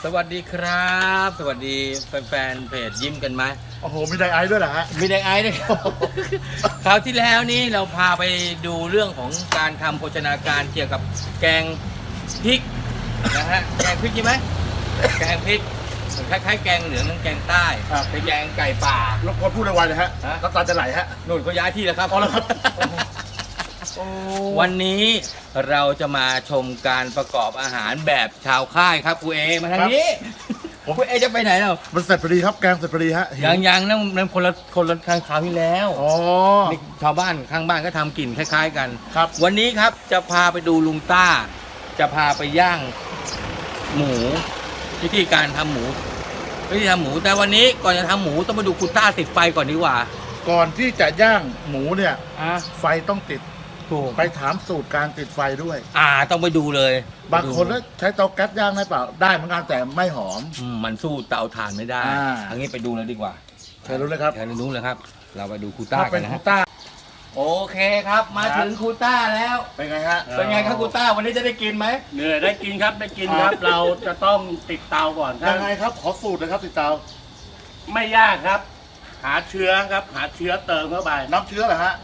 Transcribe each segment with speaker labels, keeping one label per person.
Speaker 1: สวัสดีครับ สวัสดีแฟนๆเพจยิ้มกันไหม
Speaker 2: โอ้โหมีไดไอซ์ด้วยเหรอฮะ
Speaker 1: มีแดงไอซ์ด้วยครับ คราวที่แล้วนี้เราพาไปดูเรื่องของการทำโภชนาการเกี่ยวกับแกงพริกนะฮะแกงพริกใช่ไหมแกงพริกคล้ายๆแกงเหลืองนั่นแกงใต้
Speaker 2: ครับ
Speaker 1: เป็นแกงไก่ป่าร
Speaker 2: บกวนพูดไวๆเลยฮะ
Speaker 1: ฮะ
Speaker 2: น้ำตาจะไหลฮะ
Speaker 1: นู่นเขาย้ายที่แล้วครับ
Speaker 2: อ๋อแล้วครับโอ้
Speaker 1: วันนี้เราจะมาชมการประกอบอาหารแบบชาวค่ายครับครูเอมาทางนี้ครูเอจะไปไหนเรา
Speaker 2: มันเสร็จพอดีครับแกงเสร็จพอดีฮะหิว
Speaker 1: ยังนั่นคนละคราวที่แล้ว
Speaker 2: อ๋อ
Speaker 1: นี่ชาวบ้านข้างบ้านก็ทำกลิ่นคล้ายๆกัน
Speaker 2: ครับ
Speaker 1: วันนี้ครับจะพาไปดูลุงต้า จะพาไปย่างหมูวิธีการทำหมูแต่วันนี้ก่อนจะทำหมูต้องมาดูคุณต้าติดไฟก่อนดีกว่า
Speaker 2: ก่อนที่จะย่างหมูเนี่ย
Speaker 1: อ่ะ
Speaker 2: ไฟต้องติด
Speaker 1: ถูก
Speaker 2: ไปถามสูตรการติดไฟด้วย
Speaker 1: ต้องไปดูเลย
Speaker 2: บางคนก็ใช้เตาแก๊สย่างได้เปล่าได้เหมือนกันแต่ไม่หอม
Speaker 1: มันสู้เตาถ่านไม่ได้
Speaker 2: อ่า
Speaker 1: อันนี้ไปดูเลยดีกว่า
Speaker 2: เชิญรู้เลยครับ
Speaker 1: เชิญรู้เลยครับ เราไปดูครูต้า
Speaker 2: ถ้า
Speaker 1: กั
Speaker 2: เป็น น
Speaker 1: นะ
Speaker 2: คู
Speaker 1: ฮะ
Speaker 2: ต้า
Speaker 1: โอเคครับ มาถึงครูต้าแล้ว
Speaker 2: เป็นไงฮะ
Speaker 1: เป็นไงครับครูต้าวันนี้จะได้กินไหม
Speaker 3: เหนื่อยได้กินครับได้กินครับ เราจะต้องติดเตาก่อนถ้า
Speaker 2: ยังไงครับขอสูตรนะครับติดเตา
Speaker 3: ไม่ยากครับ หาเชื้อครับหาเชื้อเติมเข้าไป
Speaker 2: น้ำเชื้อเหรอฮะ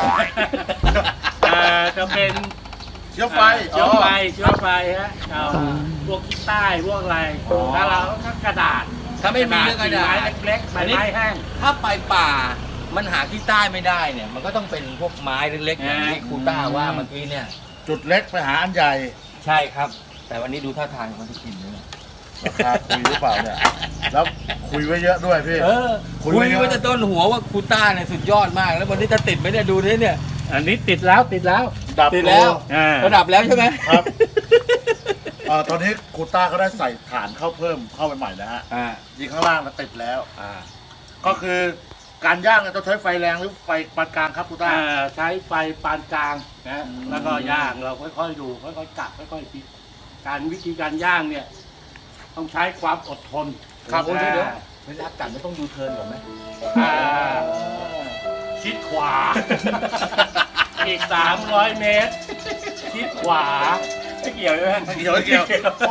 Speaker 3: จะเป็น
Speaker 2: เชื้อไฟ
Speaker 3: เชื้อไฟเชื้อไฟฮะเอาพวกขี้ใต้พวกอะไร
Speaker 2: อ๋อ
Speaker 3: ถ้าเราก็กระดาษ
Speaker 1: ถ้าไม่มีเรื่องกระดาษ
Speaker 3: ไม้เล็กๆใบไม้แห้ง
Speaker 1: ถ้าไปป่ามันหาที่ใต้ไม่ได้เนี่ย มันก็ต้องเป็นพวกไม้เล็กๆอย่างที่ครูต้าว่าเมื่อกี้เนี่ย
Speaker 2: จุดเล็กไปหาอันใหญ่
Speaker 1: ใช่ครับ แต่วันนี้ดูท่าทางมันจะกินเลย
Speaker 2: ราคาคุยหรือเปล่าเนี่ยแล้วคุยไว้เยอะด้วยพี่ คุ
Speaker 1: คุ
Speaker 2: ย
Speaker 1: ย
Speaker 2: ไว้เยอะ
Speaker 1: ไว้แต่ต้นหัวว่าครูต้าเนี่ยสุดยอดมาก แล้ววันนี้จะติดไหมเนี่ยดูดิเนี่ย
Speaker 3: อันนี้ติดแล้วติดแล้ว
Speaker 2: ดับ
Speaker 1: ติดแล้ว
Speaker 3: อ่า
Speaker 1: ระดับแล้วใช่ไหม
Speaker 2: ครับตอนนี้ครูต้าก็ได้ใส่ฐานเข้าเพิ่มเข้าไปใหม่แล้วฮะ
Speaker 1: อ่า
Speaker 2: ยิงข้างล่างแล้วติดแล้ว
Speaker 1: อ่า
Speaker 2: ก็คือการย่างเนี่ยต้องใช้ไฟแรงหรือไฟปานกลางครับครูต้า
Speaker 3: ใช้ไฟปานกลางนะแล้วก็ย่างเราค่อยๆดูค่อยๆกัดค่อยๆพลิกวิธีการย่างเนี่ย ต้องใช้ความอดทน
Speaker 2: ครับ
Speaker 1: โอ้ยเดี๋ยวเวลากัดไม่ต้องยูเทิร์นก่อนไหม
Speaker 3: อ่าชิดขวา อีก 300 เมตร ชิดขวา
Speaker 1: ไม่เกี่ยวใช่ไหม
Speaker 2: เกี่ยวเกี่ยวโอ้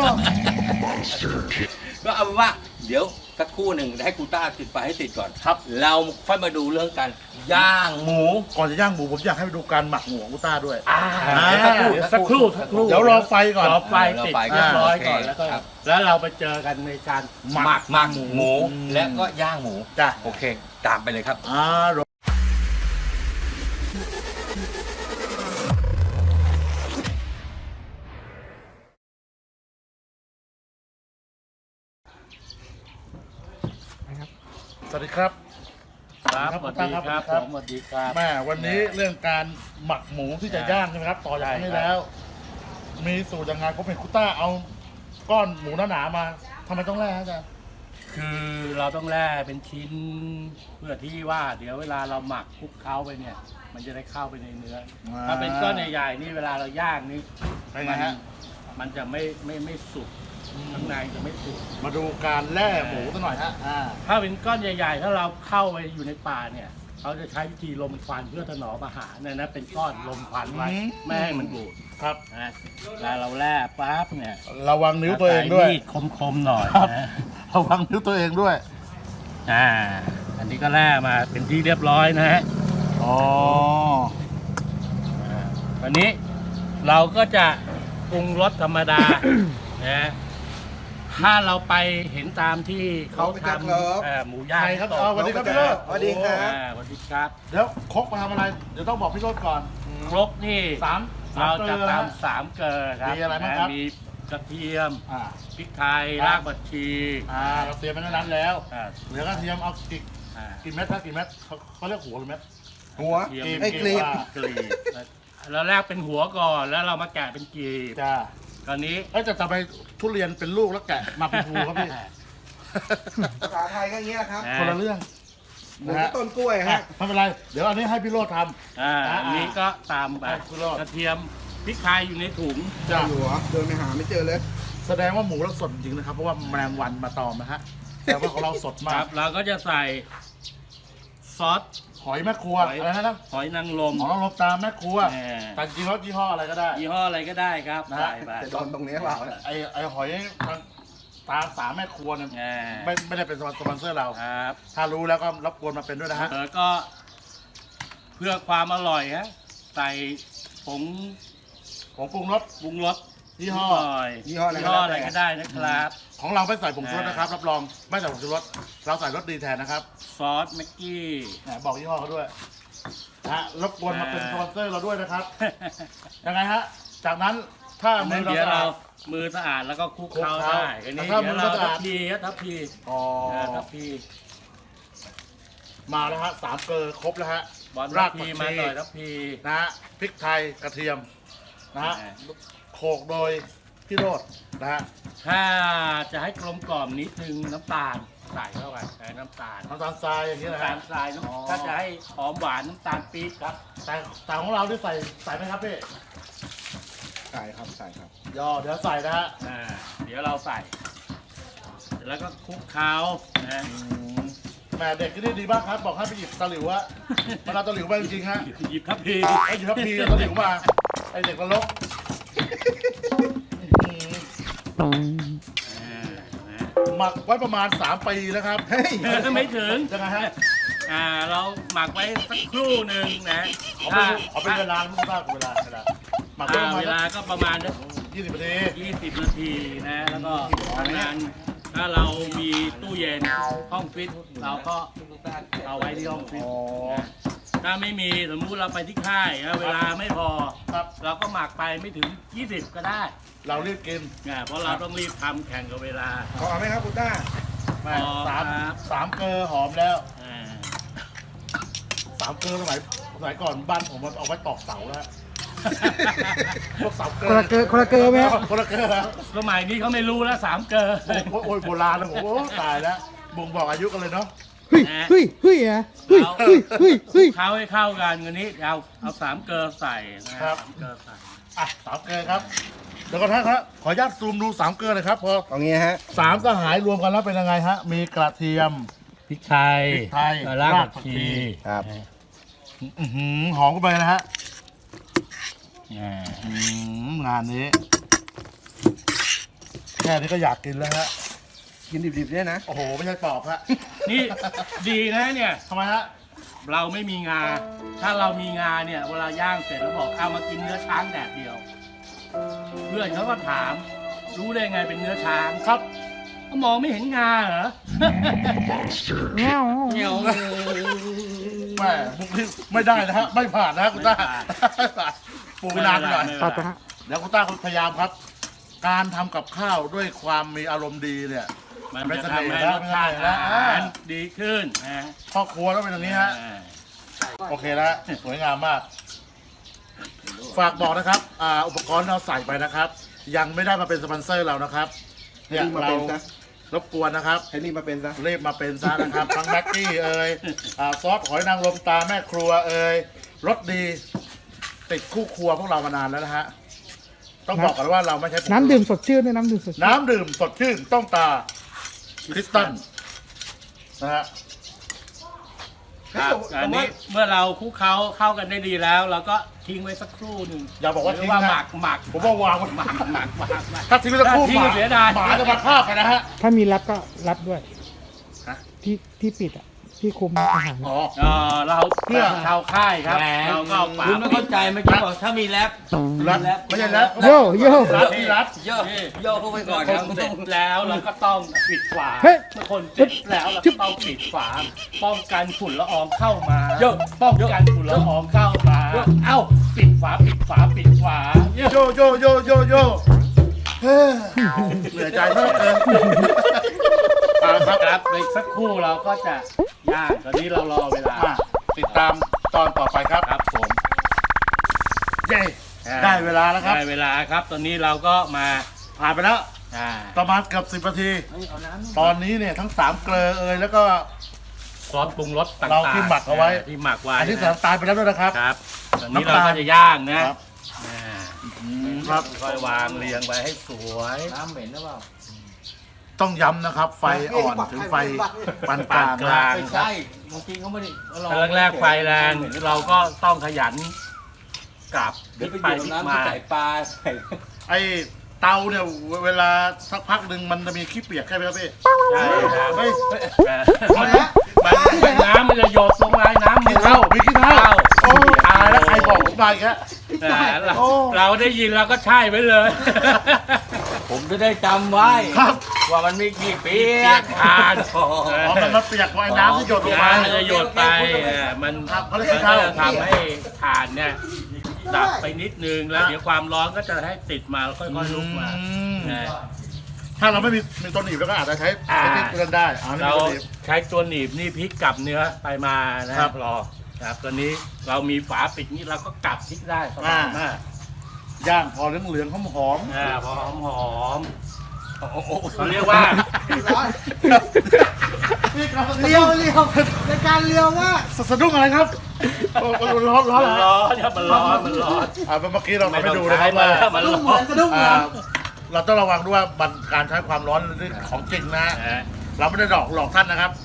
Speaker 1: ก็เอาเป็นว่า เดี๋ยวสักครู่หนึ่งให้ครูต้าติดไฟให้ติดก่อน
Speaker 2: ครับ
Speaker 1: เราค่อยมาดูเรื่องการย่างหมู
Speaker 2: ก่อนจะย่างหมูผมอยากให้ไปดูการหมักหมูของครูต้าด้วย
Speaker 1: เดี๋ยวสักครู่
Speaker 3: สักครู่
Speaker 2: เดี๋ยวรอไฟก่อน
Speaker 3: รอไฟติดเรียบร้อยก่อน
Speaker 1: โอเค
Speaker 3: แล้วก็
Speaker 1: ครับ
Speaker 3: แล้วเราไปเจอกันในการ
Speaker 1: หมักหมูและก็ย่างหมู
Speaker 2: จ้ะ
Speaker 1: โอเค ตามไปเลยครับ
Speaker 2: สวัสดีครับ
Speaker 3: ครับสวัสดีครับผมสวัสดีครับ
Speaker 2: แม่วันนี้เรื่องการหมักหมูที่จะย่างใช่ไหมครับ ต่อจากนี้แล้ว มีสูตรยังไงผมเห็นคุณต้าเอาก้อนหมูหนาๆมาทำไมต้องแล่ฮะอาจารย์
Speaker 3: คือเราต้องแล่เป็นชิ้นเพื่อที่ว่าเดี๋ยวเวลาเราหมักคลุกเคล้าไปเนี่ย มันจะได้เข้าไปในเนื้อ ถ้าเป็นก้อนใหญ่ๆนี่เวลาเราย่างนี่
Speaker 2: เป็นไงฮะ
Speaker 3: มันจะไม่สุกข้างในจะไม่สุก
Speaker 2: มาดูการแล่หมูสักหน่อยฮะ
Speaker 3: ถ้าเป็นก้อนใหญ่ๆ ถ้าเราเข้าไปอยู่ในป่าเนี่ยเขาจะใช้วิธีลมควันเพื่อถนอมอาหารเนี่ยนะเป็นก้อนลมควันไว้ไม่ให้มันบูด
Speaker 2: ครับ
Speaker 3: นะแล้วเราแล่ปั๊บเนี่ย
Speaker 2: ระวังนิ้วตัวเองด้วย
Speaker 3: มีดคมๆหน่อย
Speaker 2: ครับ
Speaker 3: นะ
Speaker 2: ระวังนิ้วตัวเองด้วย
Speaker 3: อันนี้ก็แล่มาเป็นที่เรียบร้อยนะฮะ
Speaker 2: อ๋อ
Speaker 3: วันนี้เราก็จะปรุงรสธรรมดา นะถ้าเราไปเห็นตามที่เขาทำหมูย่าง
Speaker 2: ใครครับสวัสดีครับพี่โรจน์
Speaker 3: สวัสดีครับสวัสดีครับ
Speaker 2: เดี๋ยวครกมาทำอะไร เดี๋ยวต้องบอกพี่โรจน์ก่อน
Speaker 3: ครกนี่
Speaker 2: สาม
Speaker 3: เราจะ
Speaker 2: เกลือ
Speaker 3: ตำสามเกลือครับ
Speaker 2: มีอะไรบ้างครับ
Speaker 3: มีกระเทียม
Speaker 2: อ่า
Speaker 3: พริกไทย
Speaker 2: ครับ
Speaker 3: รากผักชี
Speaker 2: เราเตรียมไว้ในนั้นแล้ว
Speaker 3: อ่า
Speaker 2: เหลือกระเทียมเอากี่
Speaker 3: อ่า
Speaker 2: กี่เม็ดครับกี่เม็ดเขาเรียกหัวหรือเม็ด
Speaker 4: หัว
Speaker 3: กระเทียม
Speaker 4: ไอ้กลีบ
Speaker 3: กลีบเราแรกเป็นหัวก่อนแล้วเรามาแกะเป็นกลีบ
Speaker 2: จ้า
Speaker 3: ตอนนี้
Speaker 2: จะทำไมทุเรียนเป็นลูกแล้วแกะมาเป็นภูครับพี่
Speaker 4: ภาษาไทยก็อย่างนี้แหละครับ
Speaker 2: คนละเรื่อง
Speaker 4: หมู
Speaker 2: นะฮะ
Speaker 4: ต้นกล้วย
Speaker 2: อ่ะ
Speaker 4: ฮะ
Speaker 2: ไม่เป็นไร เดี๋ยวอันนี้ให้พี่โรจน์ท
Speaker 3: อันนี้ก็ตามไป
Speaker 2: คุณรอด
Speaker 3: กระเทียมพริกไทยอยู่ในถุง
Speaker 2: ำ
Speaker 4: เจ้าอยู่เหรอเดินไปหาไม่เจอเลย
Speaker 2: แสดงว่าหมูเราสดจริงนะครับ เพราะว่าแมลงวันมาตอมนะฮะ แต่ว่าของเราสด
Speaker 3: ค
Speaker 2: มา
Speaker 3: รั
Speaker 2: ก
Speaker 3: บเราก็จะใส่ซอส
Speaker 2: หอยแม่ครัว อะไรนะ
Speaker 3: หอยนางรม
Speaker 2: หมอเราลบตามแม่ครัว
Speaker 3: แหม
Speaker 2: แต่จริงๆแล้วยี่ห้ออะไรก็ได้
Speaker 3: ยี่ห้ออะไรก็ได้ครับ
Speaker 2: นะ
Speaker 3: ใส่
Speaker 2: ฮะ
Speaker 3: ไป
Speaker 4: จะโดนตรงนี้เปล่าเนี่ย
Speaker 2: ไอหอยตามสามแม่ครัวเนี่ย
Speaker 3: อ่า
Speaker 2: ไม่ได้เป็นสปอนเซอร์เรา
Speaker 3: ครับ
Speaker 2: ถ้ารู้แล้วก็รบกวนมาเป็นด้วยนะฮะ
Speaker 3: แล้วก็เพื่อความอร่อยฮะใส่ผง
Speaker 2: ของปรุงรส
Speaker 3: ปรุงรส
Speaker 2: ยี่ห้อ
Speaker 3: หน่อย
Speaker 4: ยี่ห้ออะไรก็ได้
Speaker 3: ก็ได้นะครับ
Speaker 2: ของเราไม่ใส่ผงชูรสนะครับรับรองไม่ใส่ผงชูรสเราใส่รสดีแทนนะครับ
Speaker 3: ซอสแม็กกี้
Speaker 2: บอกยี่ห้อเขาด้วยนะฮะรบกวนมาเป็นสปอนเซอร์เราด้วยนะครับยังไงฮะจากนั้นถ้ามื
Speaker 3: นั่
Speaker 2: อน เรา
Speaker 3: เดี๋ยว
Speaker 2: สะ
Speaker 3: เรา
Speaker 2: อาด
Speaker 3: มือสะอาดแล้วก็คลุกเคล้า
Speaker 2: คลุกเคล้า
Speaker 3: ได้อันนี้
Speaker 2: ถ้ามื
Speaker 3: เดี๋ยว
Speaker 2: อ
Speaker 3: เรา
Speaker 2: สะอา
Speaker 3: ทั
Speaker 2: ด
Speaker 3: พพีครับทัพพี
Speaker 2: อ๋อ
Speaker 3: ทัพพี
Speaker 2: มาแล้วฮะสามเกลือครบแล้วฮะ
Speaker 3: บอล
Speaker 2: รา
Speaker 3: ทั
Speaker 2: ก
Speaker 3: พ
Speaker 2: ผั
Speaker 3: พี
Speaker 2: ก
Speaker 3: มา
Speaker 2: ชี
Speaker 3: หน่อยทัพพี
Speaker 2: นะฮะพริกไทยกระเทียมนะฮะ
Speaker 3: อ่า
Speaker 2: โขลกโดยพี่โรดนะฮะ
Speaker 3: ถ้าจะให้กลมกล่อมนิดนึงน้ำตาลใส่เข้าไปน้ำตาล
Speaker 2: น้ำตาลทรายอย่างนี้นะ
Speaker 3: น้ำตา
Speaker 2: ฮะ
Speaker 3: ลทราย
Speaker 2: อ๋อ
Speaker 3: ถ้าจะให้หอมหวานน้ำตาลปี๊บครับ
Speaker 2: แต่ของเราที่ใส่ไหมครับพี่
Speaker 4: ใส่ครับใส่ครับ
Speaker 2: ย่อเดี๋ยวใส่นะฮะ
Speaker 3: เดี๋ยวเราใส่ แล้วก็คลุกเคล้านะ
Speaker 2: แหมเด็กที่นี่ดีมากครับ บอกให้ไปหยิบตะหลิวอะมันเอาตะหลิวมาจริงๆฮะ
Speaker 3: หยิบทัพพี
Speaker 2: ไอ้หยิบทัพพีเอาตะหลิวมาไอ้เด็กนรก หมักไว้ประมาณ3 ปีนะครับเฮ้ย
Speaker 3: ก็ไม่ถึง
Speaker 2: ยังไงฮะ
Speaker 3: เราหมักไว้สักครู่หนึ่งนะ
Speaker 2: ขอเป็นเวลาไม่ทราบเวลาหมักไว้ประมาณ
Speaker 3: เวลาก็ประมาณ
Speaker 2: 20 นาที
Speaker 3: 20 นาทีนะ แล้วก็ทำงานถ้าเรามีตู้เย็นห้องฟิตเราก็เอาไว้ที่ห้องฟิต
Speaker 2: อ๋อ
Speaker 3: นะถ้าไม่มีสมมุติเราไปที่ค่ายนะเวลาไม่พอ
Speaker 2: ครับ
Speaker 3: เราก็หมักไปไม่ถึง 20 ก็ได้
Speaker 2: เรารีบกิน
Speaker 3: นะเพราะเราต้องรีบทำแข่งกับเวลา
Speaker 4: ขอเอาไหมครับคุณต้า
Speaker 2: แม่
Speaker 3: อ๋อ
Speaker 2: สาม
Speaker 3: ครับ
Speaker 2: สามเกลือหอมแล้ว
Speaker 3: อ่า
Speaker 2: 3 เกลือสมัยก่อนบ้านผมมันเอาไว้ตอกเสาแล้ว พวกเสาเกลื
Speaker 5: คนละเกลือไหมครับ
Speaker 2: คนละเกลือ
Speaker 3: สมัยนี้เขาไม่รู้แล้ว3 เกอร์
Speaker 2: โอ้ยโบราณนะผมโอ้ตายแล้วบ่งบอกอายุกันเลยเนาะ
Speaker 5: เฮ้ยเฮ้ยเฮ้ยอะเฮ้ยเฮ้ยเฮ้ยเฮ้ย
Speaker 3: เข้าให้เข้ากันวันนี้เอา3 เกอร์ใส่นะครับ 3 เกอร์ใส่
Speaker 2: อ่ะ3 เกลือครับเดี๋ยวก่อนนะครับขออนุญาตซูมดู3 เกลือหน่อยครับพอ
Speaker 4: เอางี้ฮะ
Speaker 2: 3 สหายรวมกันแล้วเป็นยังไงฮะมีกระเทียม
Speaker 3: พริกไทย
Speaker 2: พริกไทย
Speaker 3: ราก
Speaker 2: ราก
Speaker 3: ผัก
Speaker 2: ผัก
Speaker 3: ชี
Speaker 2: ชี
Speaker 4: ครับ
Speaker 2: อื้อหือหอมกันไปนะฮะ
Speaker 3: อ่า
Speaker 2: งานนี้ แค่นี้ก็อยากกินแล้วฮะ
Speaker 4: กินดิบๆเนี่ยนะ
Speaker 2: โอ้โหไม่ใช่ปอบฮะ
Speaker 3: นี่ดีนะเนี่ย
Speaker 2: ทำไมฮะ
Speaker 3: เราไม่มีงา ถ้าเรามีงาเนี่ยเวลาย่างเสร็จแล้วบอกเอามากินเนื้อช้างแดดเดียว เพื่อนเขาก็ถาม รู้ได้ไงเป็นเนื้อช้าง
Speaker 2: ครับ
Speaker 3: ก็มองไม่เห็นงาเหรอ
Speaker 5: เงี้ยว
Speaker 3: เงี้ยว
Speaker 2: แม่บุกนี่ไม่ได้นะฮะ ไม่ผ่านนะฮะคุณต้า
Speaker 3: ไม่ผ่าน
Speaker 2: ปลูกไปนานไปหน่อย
Speaker 5: ตัดไปฮะ
Speaker 2: เดี๋ยวคุณต้าพยายามครับ การทำกับข้าวด้วยความมีอารมณ์ดีเนี่ย
Speaker 3: มันจะทำให้รสชาติอาหารดีขึ้นนะ
Speaker 2: พ่อครัวต้องเป็นอย่างนี้ฮะ โอเคแล้วสวยงามมาก ฝากบอกนะครับอุปกรณ์ที่เราใส่ไปนะครับ ยังไม่ได้มาเป็นสปอนเซอร์เรานะครับ เนี่ย
Speaker 4: ให้รีบมา
Speaker 2: เรา
Speaker 4: เป็นซะ
Speaker 2: รบกวนนะครับ
Speaker 4: ให้รีบมาเป็นซะ
Speaker 2: รีบมาเป็นซะนะครับ ทั้งแม็กกี้เอ่ยซอสหอยนางรมตาแม่ครัวเอ่ยรสดี ติดคู่ครัวพวกเรามานานแล้วนะฮะ ต้องบอกกันว่าเราไม่ใช่
Speaker 5: น้ำดื่มสดชื่นด้วยน้ำดื่มสดชื่น
Speaker 2: น้ำดื่มสดชื่นต้องตาคริสตัลนะฮะ
Speaker 3: ครับอันนี้เมื่อเราคลุกเคล้าเข้ากันได้ดีแล้ว เราก็ทิ้งไว้สักครู่หนึ่ง
Speaker 2: อย่าบอกว่าทิ้ง
Speaker 3: ว่า
Speaker 2: นะ
Speaker 3: หมัก
Speaker 2: ผมว่าวางไว้
Speaker 3: หมัก
Speaker 2: ถ้าทิ้งไว้สักครู่
Speaker 3: ถ้าทิ้ง
Speaker 2: หมา
Speaker 3: เสียดาย
Speaker 2: หมาจะมาคาบไปนะฮะ
Speaker 5: ถ้ามีรับก็รับด้วย
Speaker 2: ฮะ
Speaker 5: ที่ปิดอ่ะ ที่คุมอาหาร
Speaker 2: อ๋อ
Speaker 3: เราเพื่อชาวค่ายครับ
Speaker 1: แหม
Speaker 3: เราก็เอาฝา
Speaker 1: คุณไม่เข้าใจเมื่อกี้บอกถ้ามีแรป
Speaker 2: รัดไม่ใช่รัด
Speaker 5: โย่โย่
Speaker 2: รัดที่รัด
Speaker 1: โยโยเข้าไปก่อน
Speaker 3: ค
Speaker 1: ครับ
Speaker 3: นเสร็จแล้วเราก็ต้องปิดฝา
Speaker 5: เฮ้ย
Speaker 3: เมื่อคนเสร็จแล้วเราก็ต้องปิดฝา ป้องกันฝุ่นละอองเข้ามาป้องกันฝุ่นละอองเข้ามา เอ้าปิดฝาปิดฝาปิดฝา
Speaker 2: โยโยโยโยโยเฮ้ยเหนื่อยใจมากเลยครับ
Speaker 3: ครับอีกสักครู่เราก็จะย่างตอนนี้เรารอเวลา
Speaker 2: มาติดตามตอนต่อไปครับ
Speaker 3: ครับผม
Speaker 2: เย้ได้เวลาแล้วครับ
Speaker 3: ได้เวลาครับ ตอนนี้เราก็มา
Speaker 2: ผ่านไปแล้ว
Speaker 3: อ่า
Speaker 2: ประมาณเกือบ10 นาที ตอนนี้เนี่ยทั้ง3 เกลือเอ่ยแล้วก็
Speaker 3: ซอสปรุงรสต่างๆ
Speaker 2: เราที่หมักเอาไว้
Speaker 3: ที่หมักไว้
Speaker 2: อันที่สามตายไปแล้วด้วยนะครับ
Speaker 3: ครับตอนนี้เราก็จะย่างนะครับ อ่า
Speaker 2: ครับ
Speaker 3: ค่อยวางเรียงไว้ให้สวย
Speaker 1: น้ำเหม็นหรือเปล่า
Speaker 2: ต้องย้ำนะครับ ไฟอ่อนถึงไฟปานกลาง
Speaker 3: ปานกลาง
Speaker 1: ไม่ใช่บางทีเขาไม่ได้
Speaker 3: ถ้าแรกๆไฟแรงเราก็ต้องขยันกลับพ
Speaker 1: เดี๋
Speaker 3: ลิ
Speaker 1: ยว
Speaker 3: ก
Speaker 1: ไป
Speaker 3: ไป
Speaker 1: อยู่
Speaker 3: พลิก
Speaker 1: น้ำ
Speaker 3: มา
Speaker 1: ที่ใส่ปลาใส่
Speaker 2: ไอ้เตาเนี่ยเวลาสักพักหนึ่งมันจะมีขี้เปียกใช่ไหมครับพี่
Speaker 3: ใช่ครับ
Speaker 2: เฮ้ย
Speaker 3: มันน้ำมันจะหยดลงมาน้ำ
Speaker 2: ขี้เท่ามีขี้เท่าโอ้ตายแล้วใครบอกผมมาอีกแล้ว
Speaker 3: เราได้ยินเราก็ใช่ไปเลย
Speaker 1: ผมจะได้จำไว้
Speaker 2: ครับ
Speaker 1: ว่ามันมีกี่เปียก
Speaker 3: ทาน
Speaker 2: อ๋อมันเปียกเพราะไอ้น้ำที่หยดลงมา
Speaker 3: น้ำมันจะหยดไปมัน
Speaker 2: ครับเขาเรียก
Speaker 3: มัน
Speaker 2: ขี้
Speaker 3: ก็
Speaker 2: เท่า
Speaker 3: จะทำให้ถ่านเนี่ยดับไปนิดนึงแล้วเดี๋ยวความร้อนก็จะให้ติดมาแล้วค่อยๆลุกมา
Speaker 2: อืม
Speaker 3: นะ
Speaker 2: ถ้าเราไม่มีตัวหนีบแล้วก็อาจจะใช้ที่เตือนได้อ๋อนี่
Speaker 3: เรา
Speaker 2: ตัวหนีบ
Speaker 3: ใช้ตัวหนีบนี่พลิกกลับเนื้อไปมานะครับ รอครับตัวนี้เรามีฝาปิดนี่เราก็กลับพลิกได้สบายมาก
Speaker 2: ย่างพอเหลืองๆหอม
Speaker 3: พอหอม
Speaker 2: ๆโอ้โห
Speaker 3: ๆเขาเรียกว่า
Speaker 5: เลี้ยวในการเลี้ยวว่า
Speaker 2: สะดุ้งอะไรครับโอ้ร้อนร้อน
Speaker 3: มัน
Speaker 2: เหร
Speaker 3: ร้
Speaker 2: อ
Speaker 3: อนครับมันร้อนมันร้อน
Speaker 2: เมื่อกี้เราไปดู
Speaker 3: นะ
Speaker 2: นะครับ
Speaker 3: ว่า
Speaker 2: ว่า
Speaker 3: มัน
Speaker 5: สะดุ้
Speaker 3: ร้
Speaker 5: งเหมื
Speaker 3: อ
Speaker 5: อน นสะดุ้งเหมือน
Speaker 2: เราต้องระวังด้วยว่าการใช้ความร้อนนี่ของจริงนะ เราไม่ได้หลอกท่านนะครับ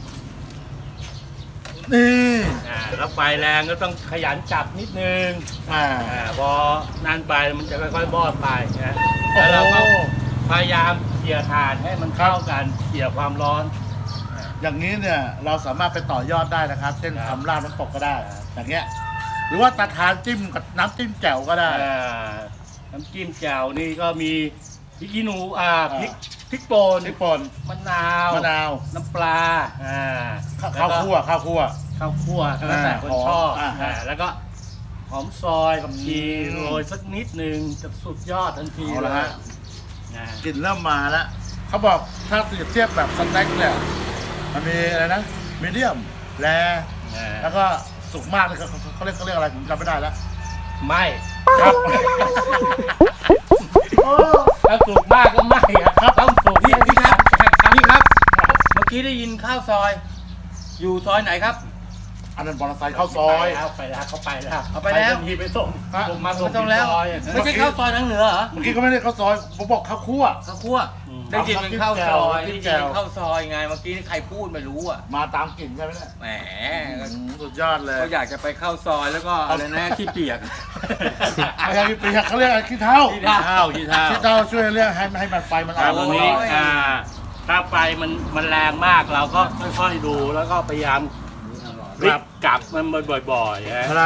Speaker 2: นี่
Speaker 3: แล้วไฟแรงก็ต้องขยันจับนิดนึง พอนั่นไปมันจะค่อยๆบอดไปนะแล้วเราก็พยายามเขี่ยถ่านให้มันเข้ากันเขี่ยความร้อน
Speaker 2: อย่างนี้เนี่ยเราสามารถไปต่อยอดได้นะครับ เช่น
Speaker 3: ครับ
Speaker 2: ทำลาบน้ำตกก็ได้ อย่างเงี้ย หรือว่าตาทานจิ้มกับน้ำจิ้มแจ่วก็ได้
Speaker 3: น้ำจิ้มแจ่วนี่ก็มีพริกขี้หนูพริกป่น
Speaker 2: พริกป่น
Speaker 3: มะนาว
Speaker 2: มะนาว
Speaker 3: น้ำปลา
Speaker 2: ข้าวคั่ว
Speaker 3: ข้าวคั่วแล้วแต่คนชอบ
Speaker 2: อ่า
Speaker 3: แล้วก็หอมซอยกับชี
Speaker 2: อืม
Speaker 3: โรยสักนิดนึงจะสุดยอดทันที
Speaker 2: เอาละฮะ
Speaker 3: นะ
Speaker 2: กลิ่นเริ่มมาแล้ว เขาบอกถ้าเทียบแบบสเต็กเนี่ย มันมีอะไรนะ มีเดียม แร แล้วก็สุกมากเลยเขาเรียกอะไรผมจำไม่ได้แล้ว
Speaker 3: ไม่
Speaker 2: ครับ
Speaker 3: ถ้าสุกมากก็ไม่ครับต้องสุก
Speaker 1: พี่ครับพี่ครับ เมื่อกี้ได้ยินข้าวซอย อยู่ซอยไหนครับ
Speaker 2: อันนั้นมอเตอร์ไซค์เข้าซอย
Speaker 3: ไปแล้วเขาไปแล้ว
Speaker 1: เอาไปแล้ว
Speaker 3: ทันทีไปส่ง
Speaker 2: ฮะ
Speaker 3: ส่งมาส่ง
Speaker 1: ไม่ต้องแล้ว
Speaker 3: ที่ซอย
Speaker 1: ไม่ใช่ข้าวซอยทางเหนือเหรอ
Speaker 2: เมื่อกี้ก็ไม่ได้เข้าซอยผมบอกข้าวคั่ว
Speaker 1: ข้าวคั่วได้ยินเป็นข้าวซอยได้ยินเป็นข้าวซอยไงเมื่อกี้นี่ใครพูดไม่รู้อ่ะ
Speaker 2: มาตามกลิ่นใช่ไหมเนี่ย
Speaker 1: แหม
Speaker 2: สุดยอดเลย
Speaker 1: ก็อยากจะไปเข้าซอยแล้วก็อะไรนะขี้เปียก
Speaker 2: อะไรเปียกเขาเรียกอะไรขี้เท้า
Speaker 1: ขี้เท้า
Speaker 3: ที่เท้า
Speaker 2: ขี้เท้าช่วยเรียกให้มันไฟมัน
Speaker 3: ครั
Speaker 2: อา
Speaker 3: บบ ตรง
Speaker 2: ห
Speaker 3: นี้
Speaker 2: น่อย
Speaker 3: ถ้าไฟมันแรงมากเราก็ค่อยๆดูแล้วก็พยายามพลิกกลับมันบ่อยๆนะครับ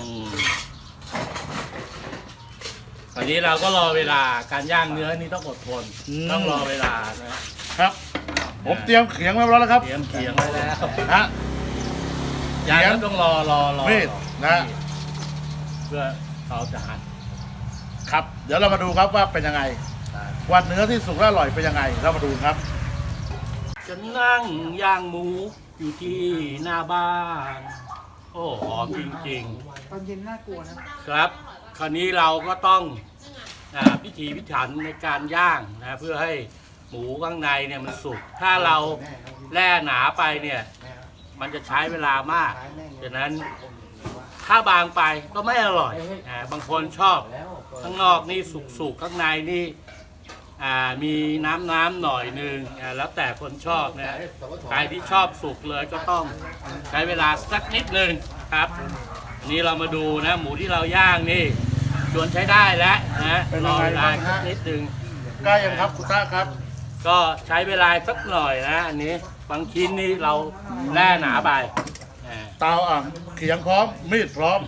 Speaker 3: ตอนนี้เราก็รอเวลาการย่างเนื้อนี่ต้องอดทนต้องรอเวลานะครับ
Speaker 2: ผมเตรียมเขียงไว้แล้วนะครับ
Speaker 3: เตรียมเคียงไว้แล้ว
Speaker 2: ฮะ
Speaker 3: ย่างแล้วต้องรอ
Speaker 2: มีดนะ
Speaker 3: เพื่อเราจะหั่น
Speaker 2: ครับ เดี๋ยวเรามาดูครับว่าเป็นยังไงว่าเนื้อที่สุกและอร่อยเป็นยังไง เรามาดูครับ
Speaker 3: จะนั่งย่างหมูอยู่ที่หน้าบ้าน โอ้หอมจริง
Speaker 5: ตอนเย็นน่ากลัวนะ
Speaker 3: ๆ ครับ คราวนี้เราก็ต้องพิถีพิถันในการย่างนะเพื่อให้หมูข้างในเนี่ยมันสุก ถ้าเราแล่หนาไปเนี่ยมันจะใช้เวลามากดังนั้นถ้าบางไปก็ไม่อร่อยบางคนชอบข้างนอกนี่สุกๆข้างในนี่มีน้ำหน่อยนึงแล้วแต่คนชอบนะใครที่ชอบสุกเลยก็ต้องใช้เวลาสักนิดนึงครับนี่เรามาดูนะหมูที่เราย่างนี่จวนใช้ได้แล้วนะ
Speaker 2: เป็น
Speaker 3: ร
Speaker 2: ยัง
Speaker 3: อ
Speaker 2: ไง
Speaker 3: เวลา
Speaker 2: บ้างฮะ
Speaker 3: สักนิดนึง
Speaker 2: ใกล้ยังครับคุณต้าครับ
Speaker 3: ก็ใช้เวลาสักหน่อยนะอันนี้บางชิ้นนี่เราแล่หนาไป
Speaker 2: เตาเขียงพร้อม มีดพร้อม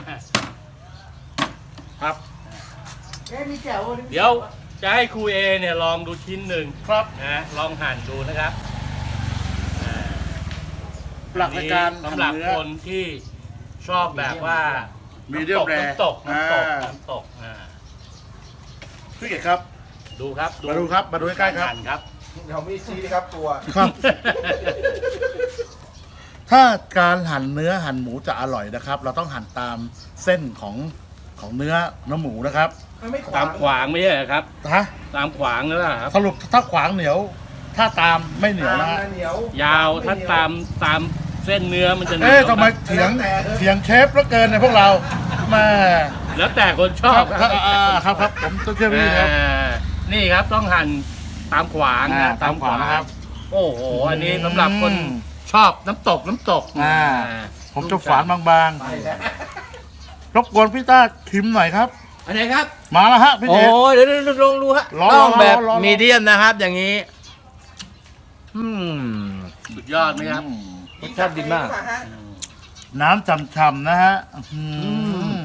Speaker 2: ครับ
Speaker 5: เอ๊ะมีแจ๋ว
Speaker 3: เดี๋ยวจะให้ครูเอเนี่ยลองดูชิ้นหนึ่ง
Speaker 2: ครับ
Speaker 3: นะลองหั่นดูนะครับ
Speaker 2: หลักในการ
Speaker 3: สำหรับ
Speaker 2: ทำเนื้อ
Speaker 3: คนที่ชอบแบบว่า
Speaker 2: Medium rare
Speaker 3: น้ำตก
Speaker 2: พี่เอกครับ
Speaker 3: ดูครับ
Speaker 2: มาดูครับ มาดูใกล้ๆครับ
Speaker 3: หั่นครับ
Speaker 4: เดี๋ยวมีชี้ครับตัว
Speaker 2: ครับ ถ้าการหั่นเนื้อหั่นหมูจะอร่อยนะครับ เราต้องหั่นตามเส้นของเนื้อหมูนะครับ
Speaker 5: ไม่ขวา
Speaker 3: ตามขวางไม่ใช่เหรอครับ
Speaker 2: ฮะ
Speaker 3: ตามขวางนั่นแหละครับ
Speaker 2: สรุปถ้าขวางเหนียว ถ้าตามไม่เหนียวนะฮะ
Speaker 4: เหนียว
Speaker 3: ยาวถ้าตามเส้นเนื้อมันจะหนียว
Speaker 2: เอ๊ะทำไมเถียงเชฟแล้วเกินในพวกเราแม่
Speaker 3: แล้วแต่คนช
Speaker 2: ค
Speaker 3: อ
Speaker 2: รั
Speaker 3: บบ
Speaker 2: ครับผมต้องเชื่อพี่ครับ
Speaker 3: นี่ครับต้องหั่นตามขวางนะ
Speaker 2: ตามขวางนะครับ
Speaker 3: โอ้โหอันนี้สำหรับคนชอบน้ำตก
Speaker 2: อ่า ผมจะฝานบางๆรบกวนพี่ต้าชิมหน่อยครับ
Speaker 1: อันไหนครับ
Speaker 2: มาแล้วฮะพี่
Speaker 1: โอ้
Speaker 2: เดช
Speaker 1: ยเดี๋ยวลองดูฮะ
Speaker 2: ร้อน
Speaker 1: ต้องแบบ
Speaker 2: ร้อน
Speaker 1: มีเดียมนะครับ อย่างนี้
Speaker 3: สุดยอดไหมครับ
Speaker 1: รสชาติดีมาก
Speaker 2: น้ำฉ่ำๆนะฮะอืม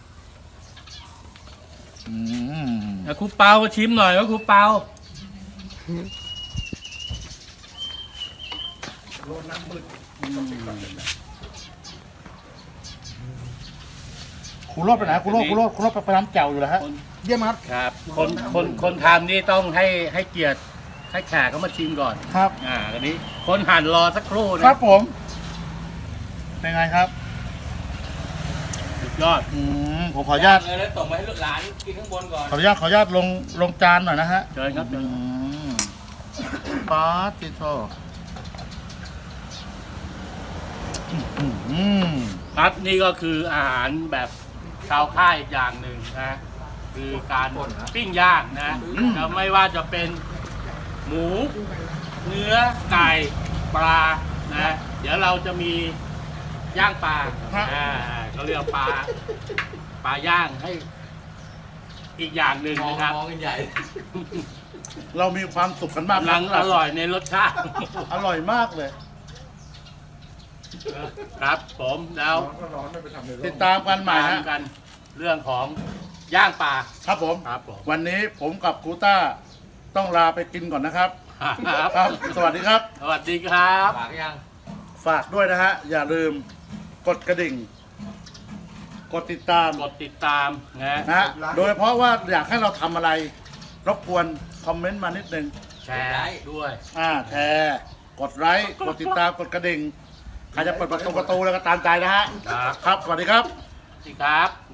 Speaker 2: อืม
Speaker 3: แล้วครูเปาก็ชิมหน่อยว่าครูเปา
Speaker 2: ครูโรดไปไหนครูโรดไปน้ำแจ่วอยู่แล้วฮะ
Speaker 4: เยี่ยมครับ
Speaker 3: ครับคนทำนี่ต้องให้เกียรติให้แขกเขามาชิมก่อน
Speaker 2: ครับ
Speaker 3: ตอนนี้คนหั่นรอสักครู่นะครับ
Speaker 2: ผม เป็นไงครับ
Speaker 3: สุดยอด
Speaker 2: ผมขออนุญาต
Speaker 1: เลยแล้วส่งมาให้ลูกหลานกินข้างบนก่อน
Speaker 2: ขออนุญาตลงจานหน่อยนะฮะ
Speaker 3: เชิญครับเชิญ
Speaker 2: ปาติโตอืม
Speaker 3: ครับนี่ก็คืออาหารแบบชาวค่ายอีกอย่างหนึ่งนะคือการปิ้งย่างนะแล้วไม่ว่าจะเป็นหมู เนื้อไก่ปลานะเดี๋ยวเราจะมีย่างปลาเขาเรียกปลาย่างให้อีกอย่างหนึ่ง
Speaker 1: มอง
Speaker 3: นะครับ
Speaker 1: มองกันใหญ่
Speaker 2: เรามีความสุขกันมาก
Speaker 3: กำลังอร่อยในรสชาติ
Speaker 2: อร่อยมากเลย
Speaker 3: ครับผมแล้ว
Speaker 2: ติดตามกันใหม่
Speaker 3: ตา
Speaker 2: ฮะ
Speaker 3: มกันเรื่องของย่างปลา
Speaker 2: ครับผม
Speaker 3: ครับผม
Speaker 2: วันนี้ผมกับกูต้าต้องลาไปกินก่อนนะครับ ครับ สวัสดีครับ
Speaker 3: สวัสดีครับ
Speaker 1: ปากยัง
Speaker 2: ฝากด้วยนะฮะ อย่าลืมกดกระดิ่ง กดติดตาม
Speaker 3: กดติดตามนะ
Speaker 2: นะฮะ โดยเฉพาะว่าอยากให้เราทำอะไร รบกวนคอมเมนต์มานิดนึง
Speaker 3: แชร์ด้วย
Speaker 2: แชร์กดไลค์กดติดตามกดกระดิ่งใครจะเปิดประตูแล้วก็ตามใจนะฮะ
Speaker 3: ครับ
Speaker 2: ครับ สวัสดีครับ
Speaker 3: สวัสดีครับ